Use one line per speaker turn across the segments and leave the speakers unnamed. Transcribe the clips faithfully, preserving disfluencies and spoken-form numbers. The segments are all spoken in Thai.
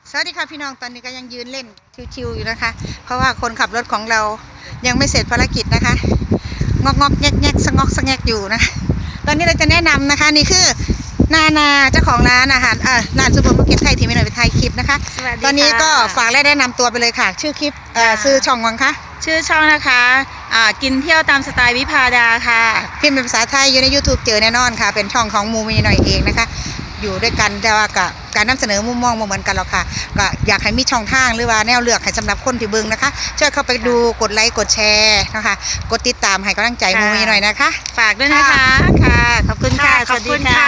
สวัสดีค่ะพี่น้องตอนนี้ก็ยังยืนเล่นชิวๆอยู่นะคะเพราะว่าคนขับรถของเรายังไม่เสร็จภารกิจนะคะงอกงอกแงกแงกสงอกสงแงกอยู่นะตอนนี้เราจะแนะนำนะคะนี่คือนานาเจ้าของร้านอาหารอ่าร้านซูเปอร์มาร์เก็ตไทยที่ไม่หน่อยไปถ่ายคลิปนะคะตอนนี้ก็ฝากและแนะนำตัวไปเลยค่ะชื่อคลิปเอ่อซื้อช่องวังคะ
ชื่อช่องนะคะอ่ากินเที่ยวตามสไตล์วิภาดาค่ะ
พิมพ์เป็นภาษาไทยอยู่ใน YouTube เจอแน่นอนค่ะเป็นช่องของมูมีหน่อยเองนะคะอยู่ด้วยกันแต่ว่ากับการนำเสนอมุมมองเหมือนกันหรอกค่ะก็อยากให้มีช่องทางหรือว่าแนวเลือกให้สำหรับคนที่เบิ่งนะคะช่วยเข้าไปดูกดไลค์กดแชร์นะคะกดติดตามให้กำลังใจมูมีหน่อยนะคะ
ฝากด้วยนะคะค่ะขอบคุณค่ะ
สวัสดีค่ะ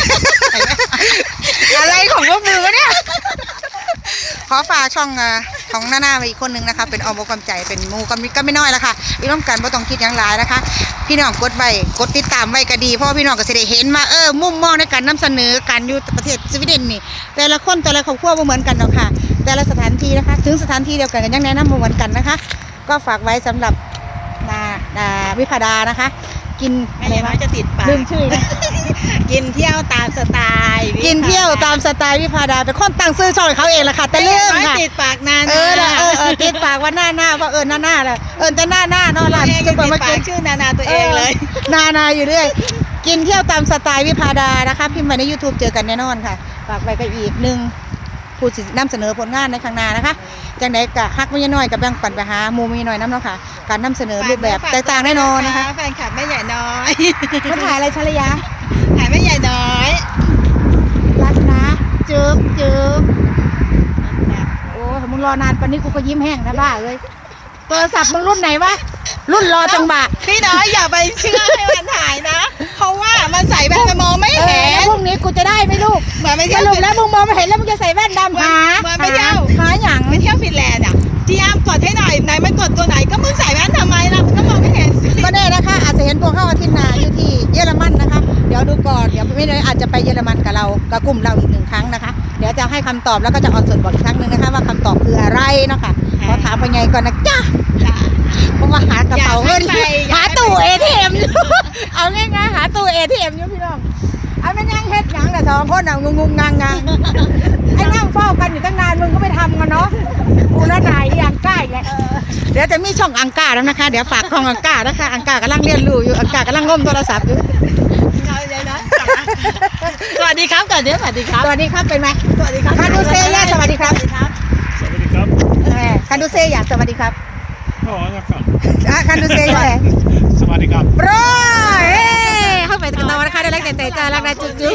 อะไรของพวกมือวะเนี่ยขอฝากช่องของหน้าหน้าไปอีกคนนึงนะคะเป็นออมอกความใจเป็นมูก็ก็ไม่น้อยแล้วค่ะอีร่วมกันไม่ต้องคิดอย่างไรนะคะพี่น้องกดไว้กดติดตามไว้ก็ดีเพราะพี่น้องก็จะได้เห็นมาเออมุมมองในการนำเสนอการอยู่ประเทศสวีเดนนี่แต่ละคนแต่ละครอบครัวไม่เหมือนกันหรอกค่ะแต่ละสถานที่นะคะถึงสถานที่เดียวกันก็ยังแนะนำไม่เหมือนกันนะคะก็ฝากไว้สำหรับนานาวิภาดานะคะกิน
อะไรวะจะติดปาก
ลืมชื่อนะ
กินเที่ยวตามสไตล์
กินเที่ยวตามสไตล์วิภาดาเป็นคนตั้งชื่อช่องเขาเองแหละค่ะแต่เรื่องค่ะ
ติดปากนาน
เออเออเออติดปากว่าหน้าหน้าว่าเออหน้าหน้าแหละเออแต่หน้าหน้าเนาะล่ะ
จะเปิดมาชื่อนานาตัวเองเลย
นานาอยู่เรื่อยกินเที่ยวตามสไตล์วิภาดานะคะพิมพ์มาใน YouTube เจอกันแน่นอนค่ะฝากไว้ก็อีกหนึ่งผู้นำเสนอผลงานในข้างหน้านะคะจังไหนกะฮักไม่น้อยกับแบ่งปันไปหามูมีน้อยน้ำเนาะค่ะการนำเสนอรูปแบบแตกต่างแน่นอนนะคะ
แฟนคลับแม่ใหญ่น้อย
เขาถ่ายอะไรชลยา
ถ่ายแม่ใหญ่น้อย
รักนะจึ๊บจึ๊บโอ้มึงรอนานปานนี้กูก็ยิ้มแห้งนะบ้าเลยโทรศัพท์มึงรุ่นไหนวะรุ่นรอจังบะ
พี่น้อยอย่าไปเชื่อให้มันถ่ายนะเพราะว่ามันใส่แว่นมันมองไม่เห็น
พรุ่งนี้กูจะได้ไหมลูก
เหมือนไปเที่
ยวสรุปแล้วมึงมองไม่เห็นแล้วมึงจะใส่แว่นดำหา
เหมือนไปเที่ยว
หาหยัง
ไปเที่ยวฟินแลนด์อ่ะที่อ้ามกดให้หน่อยไหนมันกดตัวไหนก็มึงใส่แว่นทำไมล่ะก็มองไม่เห็น
ก็แน่นะคะอาจจะเห็นพวกเข้าอาทิตย์หน้าอยู่ที่เยอรมันนะคะเดี๋ยวดูก่อนเดี๋ยวไม่ได้อาจจะไปเยอรมันกับเรากับกลุ่มเราอีกหนึ่งครั้งนะคะเดี๋ยวจะให้คำตอบแล้วก็จะออนสดบอกอีกครั้งหนึ่งนะคะว่าคำตอบคืออะไรนะคะขอถามไปไงก่อนนะจ้าเพราะว่าหากระเป๋าเงินหาตู้เอทีเอ็มเอาง่ายๆหาตู้เอทีเอ็มอยู่พี่น้องเอาไม่ยังเฮ็ดยังแต่สองคนเอางงงงงงไอ้นั่งเฝ้ากันอยู่ตั้งนานมึงก็ไม่ทำกันเนาะกูน่าหนายอังก้าอีกแล้วเดี๋ยวจะมีช่องอังก้าแล้วนะคะเดี๋ยวฝากของอังก้านะคะอังก้ากำลังเรียนรู้อยู่อังก้ากำลังง้มโทรศัพท์อยู่
สวัสดีครับก่อนเดี๋ยวสวัสดีครับ
สวัสดีครับเป็นไหม
สวัสดีครับ
คาดูเซียสวัสดีครับ
สวัสดีครับ
คาดูเซียสวัสดีครับ
อ๋อนะครับ
คาดูเซียอะไร
สวัสดีครับ
โปรยเข้าไปกันตะวันนะคะได้แรกแต่ใจจ้ารักได้จุ๊บ